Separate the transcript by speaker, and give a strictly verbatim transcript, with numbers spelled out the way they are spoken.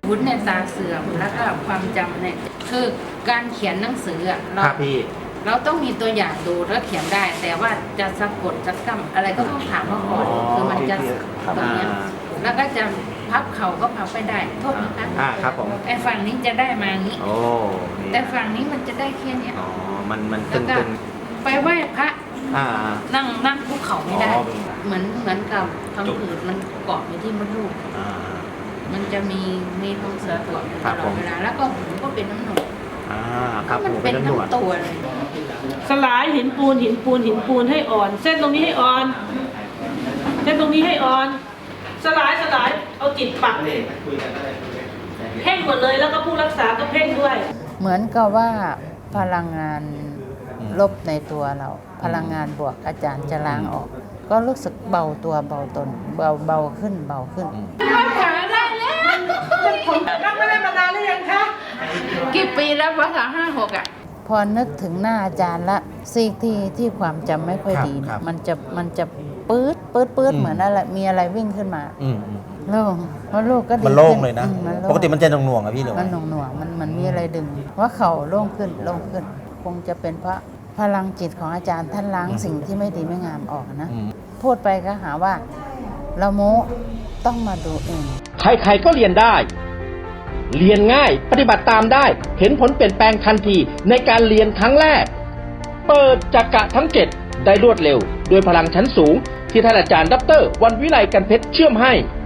Speaker 1: วุฒิในตาเสื่อมแล้วก็ความจำเนี่ยคือการเขียนหนังสืออะเราเราต้องมีตัวอย่างดูแล้วเขียนได้ แต่ว่าจะสะกดจะกำอะไรก็ต้องถามเขาก่อนคือมันจะตรงเนี้ยแล้วก็จะพับเข่าก็พับไปได้โทษนะคะ
Speaker 2: อ่าครับผม
Speaker 1: ไอ้ฝั่งนี้จะได้มางี้
Speaker 2: โอ้
Speaker 1: แต่ฝั่งนี้มันจะได้แค่เนี้ย
Speaker 2: อ๋อมันมัน
Speaker 1: แล้
Speaker 2: ตึ
Speaker 1: ว
Speaker 2: ง
Speaker 1: ก็
Speaker 2: ตึง
Speaker 1: ไปไหว้พระ
Speaker 2: อ่า
Speaker 1: นั่งนั่งคุกเข่าไม่ได้
Speaker 2: อ๋อ
Speaker 1: เหมือนเหมือนกับพังผืดมันเกาะอยู่ที่มดลูก
Speaker 2: อ่า
Speaker 1: มันจะมีมีท้องเสียตรวจต
Speaker 2: ครับ
Speaker 1: ล
Speaker 2: ผ
Speaker 1: อด
Speaker 2: ม
Speaker 1: เวลาแล้วก็หูก็เป็นน้ำหนวก
Speaker 2: อ่าครับ
Speaker 1: มัน
Speaker 2: หู
Speaker 1: เป็
Speaker 2: เป็น
Speaker 1: น
Speaker 2: น้ำหนวด
Speaker 1: ทั้งตัวเลย
Speaker 3: สลายหินปูนหินปูนหินปูนให้อ่อน เส้นตรงนี้ให้อ่อน เส้นตรงนี้ให้อ่อน สลายสลายเอาจิตปักเพ่งหมดเลยแล้วก็ผู้รักษาก็เพ่งด้วย
Speaker 1: เหมือนกับว่าพลังงานลบในตัวเรา พลังงานบวกอาจารย์จะล้างออก ก็รู้สึกเบาตัวเบาตน เบาเบาขึ้นเบาขึ้นขาได้แล้ว
Speaker 3: ผมนั่งไม่ได้มานานหรือยังคะ
Speaker 1: กี่ปีแล้วภาษาห้าหกอ่ะ พอนึกถึงหน้าอาจารย์ละซีกที่ที่ความจำไม่ค่อยดีเนี่ยมันจะมันจะปื๊ดปื๊ดปื๊ดเหมือนอะไรมีอะไรวิ่งขึ้นมา
Speaker 2: อืมอืม
Speaker 1: โล่งเพราะลูกก็ดี
Speaker 2: มันโล่งเลยนะ
Speaker 1: อืมมันโล่ง
Speaker 2: ปกติมันจะหน่วงๆอะพี่หรือ
Speaker 1: มั
Speaker 2: ว่าน
Speaker 1: หน่วงหน่วงๆมันมันมีอะไรดึง ว่าเข่าโล่งขึ้นโล่งขึ้น คงจะเป็นเพราะพลังจิตของอาจารย์ท่านล้างสิ่งที่ไม่ดีไม่งามออกนะ
Speaker 2: อืม
Speaker 1: พูดไปก็หาว่า เราโม้ต้องมาดูเอง
Speaker 4: ใครๆก็เรียนได้ เรียนง่ายปฏิบัติตามได้ เห็นผลเปลี่ยนแปลงทันทีในการเรียนครั้งแรก เปิดจักระทั้งเจ็ดได้รวดเร็วด้วยพลังชั้นสูงที่ท่านอาจารย์ดร.วันวิไลกันเพชรเชื่อมให้